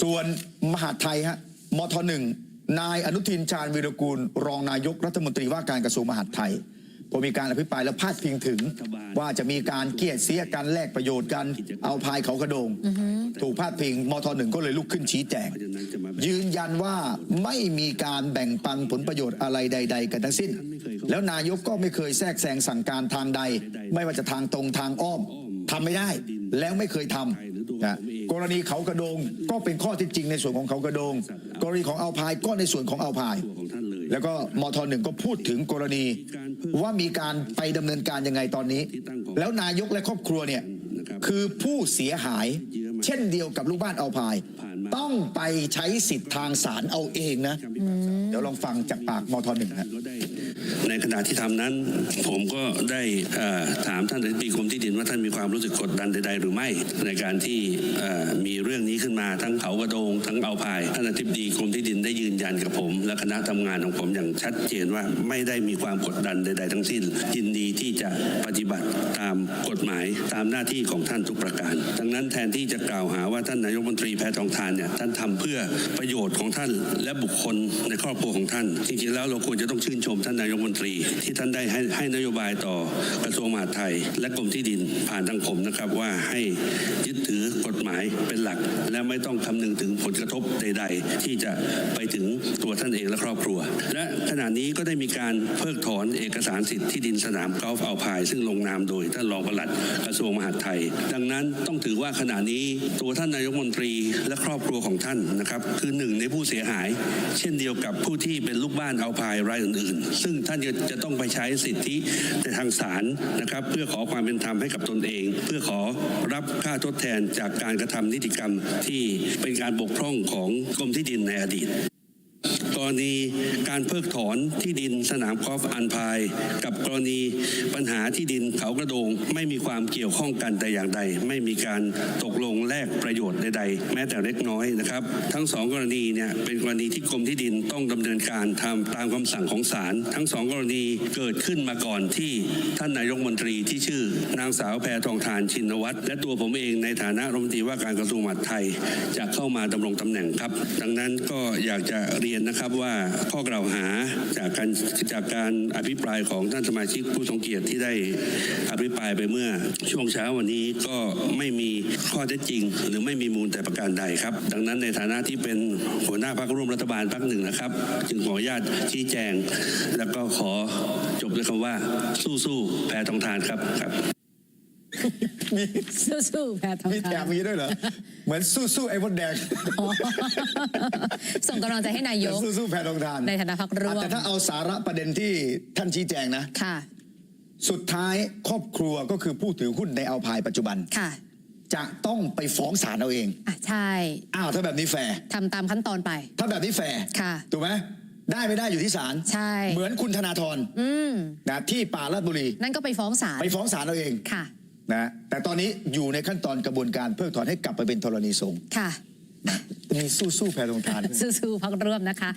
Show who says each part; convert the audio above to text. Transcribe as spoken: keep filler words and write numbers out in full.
Speaker 1: ส่วนมหาดไทยฮะมทหนึ่งนายอนุทินชาญวีรกูลรองนายกรัฐมนตรีว่าการกระทรวงมหาดไทยพอมีการอภิปรายและพาดพิงถึงว่าจะมีการเกลียดเสียกันแลกประโยชน์กันเอาพายเขากระโดงถูกพาดพิงมทหนึ่งก็เลยลุกขึ้นชี้แจงยืนยันว่าไม่มีการแบ่งปันผลประโยชน์อะไรใดๆกันทั้งสิ้นแล้วนายกก็ไม่เคยแทรกแซงสั่งการทางใดไม่ว่าจะทางตรงทางอ้อมทำไม่ได้แล้วไม่เคยทำนะกรณีเขากระโดงก็เป็นข้อเท็จจริงในส่วนของเขากระโดงกรณีของเอาพายก็ในส่วนของเอาพายแล้วก็มทหนึ่งก็พูดถึงกรณีว่ามีการไปดำเนินการยังไงตอนนี้แล้วนายกและครอบครัวเนี่ยคือผู้เสียหายเช่นเดียวกับลูกบ้านเอาพายต้องไปใช้สิทธิ์ทางศาลเอาเองนะเดี๋ยวลองฟังจากปากมทหนึ่งครับ
Speaker 2: ในขณะที่ทำนั้นผมก็ได้ถามท่านอธิบดีกรมที่ดินว่าท่านมีความรู้สึกกดดันใดๆหรือไม่ในการที่มีเรื่องนี้ขึ้นมาทั้งเขากระโดงทั้งเอาพายท่านอธิบดีกรมที่ดินได้ยืนยันกับผมและคณะทำงานของผมอย่างชัดเจนว่าไม่ได้มีความกดดันใดๆทั้งสิ้นยินดีที่จะปฏิบัติตามกฎหมายตามหน้าที่ของท่านทุกประการดังนั้นแทนที่จะกล่าวหาว่าท่านนายกรัฐมนตรีแพทองธารเนี่ยท่านทำเพื่อประโยชน์ของท่านและบุคคลในครอบครัวของท่านจริงๆแล้วเราควรจะต้องชื่นชมท่านนายกรัฐมนตรีที่ท่านได้ให้ให้นโยบายต่อกระทรวงมหาดไทยและกรมที่ดินผ่านทางผมนะครับว่าให้ยึดถือกฎหมายเป็นหลักและไม่ต้องคำนึงถึงผลกระทบใดๆที่จะไปถึงตัวท่านเองและครอบครัวและขณะนี้ก็ได้มีการเพิกถอนเอกสารสิทธิ์ที่ดินสนามกอล์ฟอัลพายซึ่งลงนามโดยท่านรองปลัดกระทรวงมหาดไทยดังนั้นต้องถือว่าขณะนี้ตัวท่านนายกรัฐมนตรีและครอบครัวของท่านนะครับคือหนึ่งในผู้เสียหายเช่นเดียวกับผู้ที่เป็นลูกบ้านอัลพายรายอื่นๆซึ่งท่านจะต้องไปใช้สิทธิในทางศาลนะครับเพื่อขอความเป็นธรรมให้กับตนเองเพื่อขอรับค่าทดแทนจากการกระทำนิติกรรมที่เป็นการบกพร่องของกรมที่ดินในอดีตกรณีการเพิกถอนที่ดินสนามกอล์ฟอัลพายกับกรณีปัญหาที่ดินเขากระโดงไม่มีความเกี่ยวข้องกันแต่อย่างใดไม่มีการตกลงแลกประโยชน์ใดๆแม้แต่เล็กน้อยนะครับทั้งสองกรณีเนี่ยเป็นกรณีที่กรมที่ดินต้องดำเนินการทำตามคำสั่งของศาลทั้งสองกรณีเกิดขึ้นมาก่อนที่ท่านนายกรัฐมนตรีที่ชื่อนางสาวแพทองธารชินวัตรและตัวผมเองในฐานะรัฐมนตรีว่าการกระทรวงมหาดไทยจะเข้ามาดำรงตำแหน่งครับดังนั้นก็อยากจะเรียนนะครับว่าข้อกล่าวหาจากการจากการอภิปรายของท่านสมาชิกผู้ทรงเกียรติที่ได้อภิปรายไปเมื่อช่วงเช้าวันนี้ก็ไม่มีข้อเท็จจริงหรือไม่มีมูลแต่ประการใดครับดังนั้นในฐานะที่เป็นหัวหน้าพรรคร่วมรัฐบาลพรรคหนึ่งนะครับจึงขออนุญาตชี้แจงแล้วก็ขอจบด้วยคำว่าสู้ๆแพทองธารครับครับ
Speaker 1: มี
Speaker 3: สู้ๆแพทองธาร
Speaker 1: มีแถมมีด้วยเหรอเหมือนสู้ๆไอ้มดแดง
Speaker 3: ส่งกำลังใจให้นายก
Speaker 1: สู้ๆแพทองธาร
Speaker 3: ในฐานะพรรคร่วม
Speaker 1: แต่ถ้าเอาสาระประเด็นที่ท่านชี้แจงนะ
Speaker 3: ค่ะ
Speaker 1: สุดท้ายครอบครัวก็คือผู้ถือหุ้นในเอาพายปัจจุบัน
Speaker 3: ค่ะ
Speaker 1: จะต้องไปฟ้องศาลเอาเอง
Speaker 3: อ่ะใช่
Speaker 1: อ้าวถ้าแบบนี้แฟร์
Speaker 3: ทำตามขั้นตอนไป
Speaker 1: ถ้าแบบนี้แฟร์
Speaker 3: ค่ะ
Speaker 1: ถูกไหมได้ไม่ได้อยู่ที่ศาล
Speaker 3: ใช่
Speaker 1: เหมือนคุณธนาธรนะที่ป่าลาดบุรี
Speaker 3: นั่นก็ไปฟ้องศาล
Speaker 1: ไปฟ้องศาลเอาเอง
Speaker 3: ค่ะ
Speaker 1: นะแต่ตอนนี้อยู่ในขั้นตอนกระบวนการเพิกถอนให้กลับไปเป็นธรณีสงฆ์
Speaker 3: ค่ะ
Speaker 1: มีสู้ๆแพทองธาร
Speaker 3: สู้ๆพรรคร่วมนะคะ